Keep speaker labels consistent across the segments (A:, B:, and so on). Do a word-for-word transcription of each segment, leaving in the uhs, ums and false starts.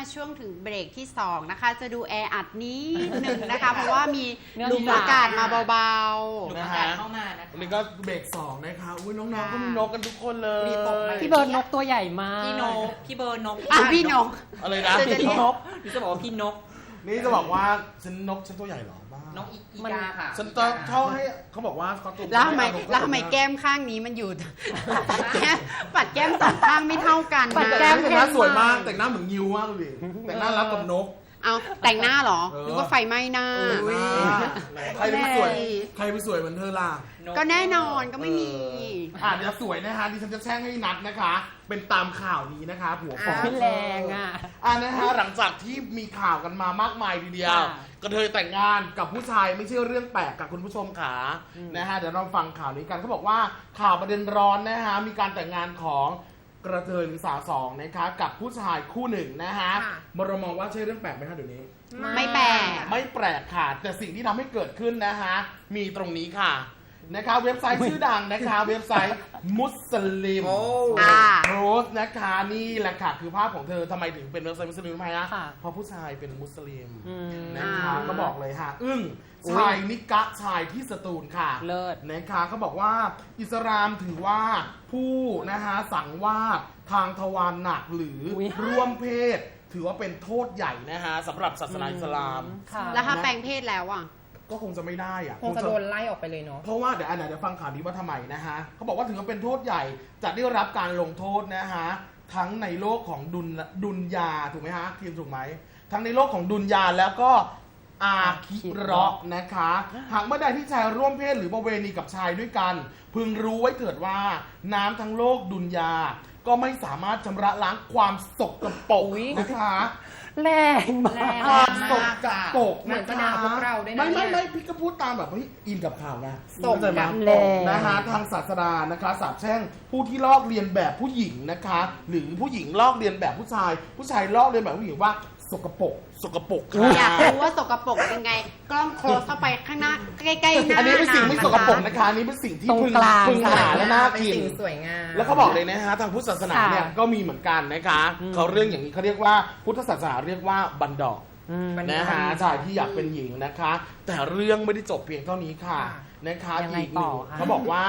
A: มาช่วงถึงเบรกที่สองนะคะจะดูแออัดนิดหนึ่งนะคะ เพราะว่ามีลมอากาศมาเบาๆ
B: นะฮะเข้ามานะคะวันนี้ก็เบรกสองนะคะอุ้ยน้องๆก็มีนกกันทุกคนเลย
C: พี่เบิร์ดนกตัวใหญ่มาก
B: พี่นกพี่เบิร์ดนก
A: อ่ะพี่นก
B: อะไรนะ
A: พี่
B: นกนี่จะบอกว่าพี่นกนี่จะบอกว่าฉันนกฉันตัวใหญ่หรอบ้านกอีกาค่ะฉันต้องเข้าให้เขาบอกว่าเขาตัว
A: แล้วทำไมแล้วทำไมแก้มข้างนี้มันอยู่ปัดแก้มปัดแก้มสองข้างไม่เท่ากันนะ
B: ปัดแก้มแต่งหน้าสวยมากแต่งหน้าเหมือนงิวมากเลยแต่งหน้ารับกับนก
A: เอาแต่งหน้าเหรอหรือว่าไฟไหม้หน้า
B: ใครไปสวยใครไปสวยเหมือนเธอล่ะ
A: ก็แน่นอนก็ไม่มี
B: อ่าเดี๋ยวสวยนะคะดิฉันจะแช่งให้นัดนะคะเป็นตามข่าวนี้นะคะผัวฟ้อง
C: แรงอ่ะ
B: อ่านะฮะหลังจากที่มีข่าวกันมามากมายทีเดียวกระเทยแต่งงานกับผู้ชายไม่ใช่เรื่องแปลกกับคุณผู้ชมขานะฮะเดี๋ยวเราฟังข่าวนี้กันเขาบอกว่าข่าวประเด็นร้อนนะฮะมีการแต่งงานของกระเทยหรือสาวสองนะคะกับผู้ชายคู่หนึ่งนะฮะเรามองว่าใช่เรื่องแปลกไหมคะเดี๋ยวนี้
A: ไม่แปลก
B: ไม่แปลกค่ะแต่สิ่งที่ทำให้เกิดขึ้นนะฮะมีตรงนี้ค่ะนะคะเว็บไซต์ชื่อดังนะคะเว็บไซต์มุสลิมโพสต์นะคะนี่แหละค่ะคือภาพของเธอทำไมถึงเป็นเว็บไซต์มุสลิมทำไมนะเพราะผู้ชายเป็นมุสลิมนะคะก็บอกเลยค่ะอึ้งชายนิกะชายที่สตูลค่ะ
C: เลิศ
B: นะคะเขาบอกว่าอิสลามถือว่าผู้นะคะสังวาสทางทวารหนักหรือร่วมเพศถือว่าเป็นโทษใหญ่นะฮะสำหรับศาสนาอิสลาม
A: แล้วถ้าแปลงเพศแล้วอ่ะ
B: ก็คงจะไม่ได้อะ
D: คงจะโดนไล่ออกไปเลยเนาะ
B: เพราะว่าเดี๋ยวอันไหนเดี๋ยวฟังข่าวนี้ว่าทำไมนะฮะเขาบอกว่าถึงจะเป็นโทษใหญ่จะได้รับการลงโทษนะฮะทั้งในโลกของดุลดุลยาถูกไหมฮะทีมถูกไหมทั้งในโลกของดุลยาแล้วก็อาคิเราะห์นะคะหากเมื่อใดที่ชายร่วมเพศหรือประเวณีกับชายด้วยกันพึงรู้ไว้เถิดว่าน้ำทั้งโลกดุลยาก็ไม่สามารถชำระล้างความสกปรกนะคะ
C: แรงมาก
B: ความสกปรก
D: เหมือนจะด่าพวกเราด้วยนะ
B: ไม่ไม่ไม่พี่ก็พูดตามแบบเฮ้ยอินกับข่าวนะ
D: สกปรก
B: นะฮะทางศาสนานะคะสาปแช่งผู้ที่ลอกเลียนแบบผู้หญิงนะคะหรือผู้หญิงลอกเลียนแบบผู้ชายผู้ชายลอกเลียนแบบผู้หญิงว่าสกปรกสกปรก
A: อยากรู้ว่าสกปรกเป็นไงกล้องโคลสเข้าไปข้างหน้าใกล้ๆหน้า
B: อันนี้เป็นสิ่งไม่สกปรกนะคะอันนี้เป็นสิ่งที่พึงพึงหาและน่ากิน
D: สวยงาม
B: แล้วเขาบอกเลยนะฮะทางพุทธศาสนาเนี่ยก็มีเหมือนกันนะคะเขาเรื่องอย่างนี้เขาเรียกว่าพุทธศาสนาเรียกว่าบันดอกนะฮะชายที่อยากเป็นหญิงนะคะแต่เรื่องไม่ได้จบเพียงเท่านี้ค่ะนะคะอีกหนึ่งเขาบอกว่า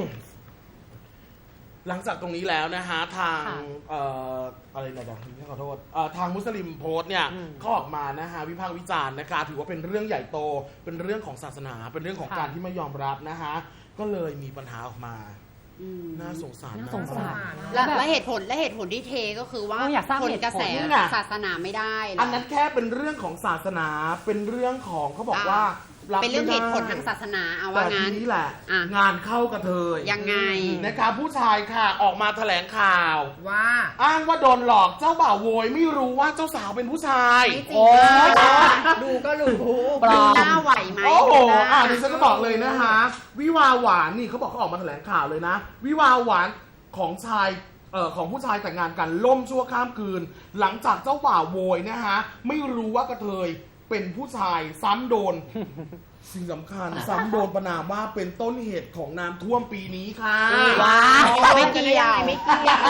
B: หลังจากตรงนี้แล้วนะฮะทางเอ่ออะไรนะเดี๋ยวขอโทษทางมุสลิมโพสต์เนี่ยเขาออกมานะฮะวิพากษ์วิจารณ์นะคะถือว่าเป็นเรื่องใหญ่โตเป็นเรื่องของศาสนาเป็นเรื่องของการที่ไม่ยอมรับนะฮะก็เลยมีปัญหาออกมาน่าสงสาร
C: น่าสงสาร
A: และเหตุผลและเหตุผลที่เทก็คือว่าคนกระแสศาสนาไม่ได้
B: อันนั้นแค่เป็นเรื่องของศาสนาเป็นเรื่องของเขาบอกว่า
A: เป็นเรื่องเหตุผลทางศาสนาเอาว่างั้น
B: นี่แหละงานเข้ากระเทย
A: ยังไง
B: นะคะผู้ชายค่ะออกมาแถลงข่าว
D: ว่า
B: อ้างว่าโดนหลอกเจ้าบ่าวโวยไม่รู้ว่าเจ้าสาวเป็นผู้ชาย
D: โอ้ดูก็รู้
A: ดูหน้าไหวไหม
B: โอ้โหอ่าดิฉันก็บอกเลยนะคะวิวาหวานนี่เขาบอกเขาออกมาแถลงข่าวเลยนะวิวาหวานของชายเอ่อของผู้ชายแต่งงานกันล่มชั่วข้ามคืนหลังจากเจ้าบ่าวโวยนะฮะไม่รู้ว่ากระเทยเป็นผู้ชายซ้ำโดนสิ่งสำคัญซ้ำโดนประนามว่าเป็นต้นเหตุของน้ำท่วมปีนี้ค่ะ
A: ว้าไม่เกี่ยวไม่เกี่ยว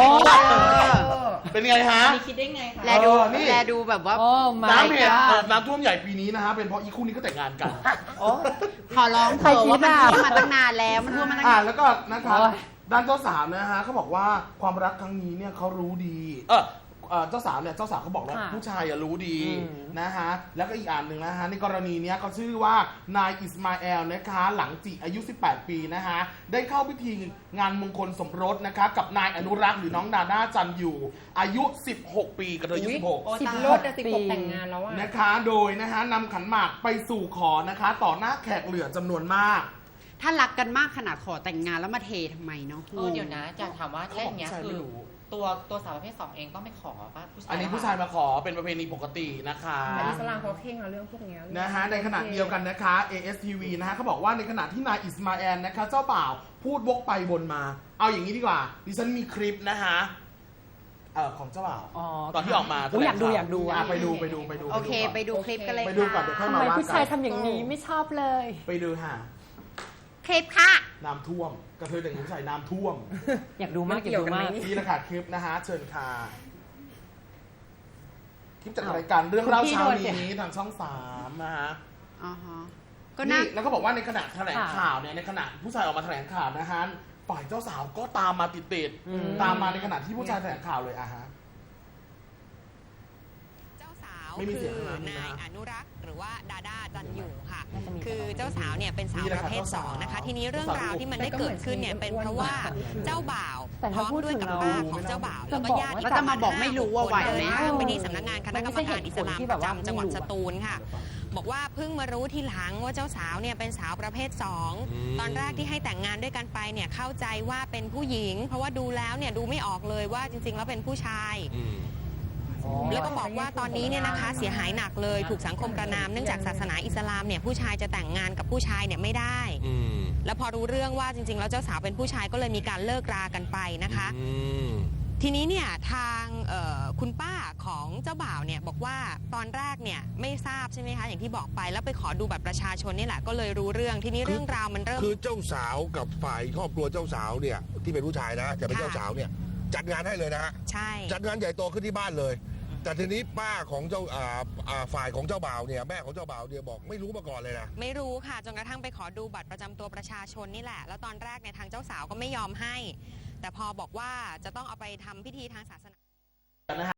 B: เป็นไงฮะ
D: คิดได้ไงคะ
A: แลดูแลดูแบบว่า
B: น้ำเหตุน้ำท่วมใหญ่ปีนี้นะฮะเป็นเพราะอีคู่นี้ก็แต่งงานกัน
A: ขอร้องเถอะว่ามันท่วมมาตั้งนานแล้วมันท่วมมาตั้งนาน
B: แล้วก็นะคะด้านเจ้าสาวนะฮะเขาบอกว่าความรักครั้งนี้เนี่ยเขารู้ดีเออเจ้าสาวเนี่ยเจ้าสาวเขาบอกว่าผู้ชายรู้ดีนะฮะแล้วก็อีกอันหนึ่งนะฮะในกรณีนี้เขาชื่อว่านายอิสมาเอลนะคะหลังจิอายุสิบแปดปีนะฮะได้เข้าพิธีงานมงคลสมรสนะคะกับนายอนุรักษ์หรือน้องดาด้าจันอยู่อายุสิบหกปีกับเธออายุสิบหก
D: สิบรถสิบหกแต่งงานแล้ว
B: นะคะโดยนะฮะนำขันหมากไปสู่ขอนะคะต่อหน้าแขกเหลือจำนวนมาก
A: ถ้ารักกันมากขนาดขอแต่งงานแล้วมาเททำไมเนาะ
E: เออเดี๋ยวนะจะถามว่าแค่เนี้ยคือตัวตัวสาวประเภทสองเองต้องไปขอป่ะผู้ชาย
B: อันนี้ผู้ชายมาขอเป็นประเพณีปกตินะคะ
D: แต่อิสลามเขาเข่งเรื่องพวกนี้
B: นะฮะในขณะเดียวกันนะคะ เอ เอส ที วี นะฮะเขาบอกว่าในขณะที่นายอิสมาเอลนะคะเจ้าบ่าวพูดวกไปวนมาเอาอย่างนี้ดีกว่าดิฉันมีคลิปนะคะเอ่อของเจ้าบ่าวตอนที่ออกมา
C: อยากดูอยากดู
B: ไปดูไปดูไปดู
A: โอเคไปดูคลิปกันเลย
B: ไปดูก่อนเดี๋ยวค่อยมาว่ากัน
C: ทำไมผู้ชายทำอย่างนี้ไม่ชอบเลย
B: ไปดูค่ะ
A: คลิปค่ะ
B: น้ำท่วมกระเทยแต่งผู้ชายน้ำท่วม
C: อยากดูมากอยากดูมาก
B: นี่แหละค่ะคลิปนะฮะเชิญค่ะลิปจากรายการเรื่องเล่า
C: คุณพี่
B: เช้า
C: โดนเสีย
B: นี้ทางช่องสามนะฮะ
A: อ่าฮะก็น่า
B: นี่แล้วก็บอกว่าในขณะแถลง
C: ค่ะ
B: ข่าวเนี่ยในขณะผู้ชายออกมาแถลงข่าวนะฮะฝ่ายเจ้าสาวก็ตามมาติด
C: อืม
B: ๆตามมาในขณะที่ผู้ชายแถลงข่าวเลยอะฮะ
F: เจ้าสาว
B: ไม่มีเสี
F: คื
B: ยง
F: อ
B: ข้างหลัง
F: นาย
B: นะ
F: อนุรักษ์หรือว่าดาดาจันอยู่ค่ะ
C: น่าจะมี
F: คือเจ้าสาวเนี่ยเป็นสาว
B: นี่แห
F: ป
B: ละค่ะ
F: ระเภทสองนะคะ ทีนี้เรื่องราวที่มันได้
D: แต่ก็
F: เกิ
D: เหมื
F: ด
D: อน
F: ขึ้นเนี่ย
D: ชีวิต
F: เป็น
D: อ้วน
F: เพราะว่า
D: ๆ
F: เจ้าบ่าว
C: แต่
F: พ
C: ถ้า
F: ร้อม
C: พูด
F: ด้วย
C: ถึง
F: กับ
C: เรา
F: ป้าของเจ้าบ่าวแล้วก็ญาติ
A: แล้วจะมาบอกไม่รู้ว่าไหวไหม
F: เดินทางไปที่สำนักงานคณะกรรมการอิสลามประจำจังหวัดสตูลค่ะ บอกว่าเพิ่งมารู้ทีหลังว่าเจ้าสาวเนี่ยเป็นสาวประเภทสองตอนแรกที่ให้แต่งงานด้วยกันไปเนี่ยเข้าใจว่าเป็นผู้หญิง เพราะว่าดูแล้วเนี่ยดูไม่ออกเลยว่าจริง ๆ แล้วเป็นผู้ชาย แล้วก็บอกว่าตอนนี้เนี่ยนะคะเสียหายหนักเลยถูกสังคมประณามเนื่องจากศาสนาอิสลามเนี่ยผู้ชายจะแต่งงานกับผู้ชายเนี่ยไม่ได้ แล้วพอรู้เรื่องว่าจริง ๆ แล้วเจ้าสาวเป็นผู้ชายก็เลยมีการเลิกรากันไปนะคะ ทีนี้เนี่ยทางเอ่อคุณป้าของเจ้าบ่าวเนี่ยบอกว่าตอนแรกเนี่ยไม่ทราบใช่ไหมคะอย่างที่บอกไปแล้วไปขอดูบัตรประชาชนนี่แหละก็เลยรู้เรื่องทีนี้เรื่องราวมันเริ่ม
G: คือเจ้าสาวกับฝ่ายครอบครัวเจ้าสาวเนี่ยที่เป็นผู้ชายนะจะเป็น
F: ค่ะ
G: เจ้าสาวเนี่ยจัดงานให้เลยนะฮะ
F: ใช่
G: จัดงานใหญ่โตขึ้นที่บ้านเลย แต่ทีนี้ป้าของเจ้าอ่าอ่าฝ่ายของเจ้าบ่าวเนี่ยแม่ของเจ้าบ่าวเนี่ยบอกไม่รู้มาก่อนเลยนะ
F: ไม่รู้ค่ะจนกระทั่งไปขอดูบัตรประจำตัวประชาชนนี่แหละ แล้วตอนแรกเนี่ยทางเจ้าสาวก็ไม่ยอมให้ แต่พอบอกว่าจะต้องเอาไปทำพิธีทางศาสนา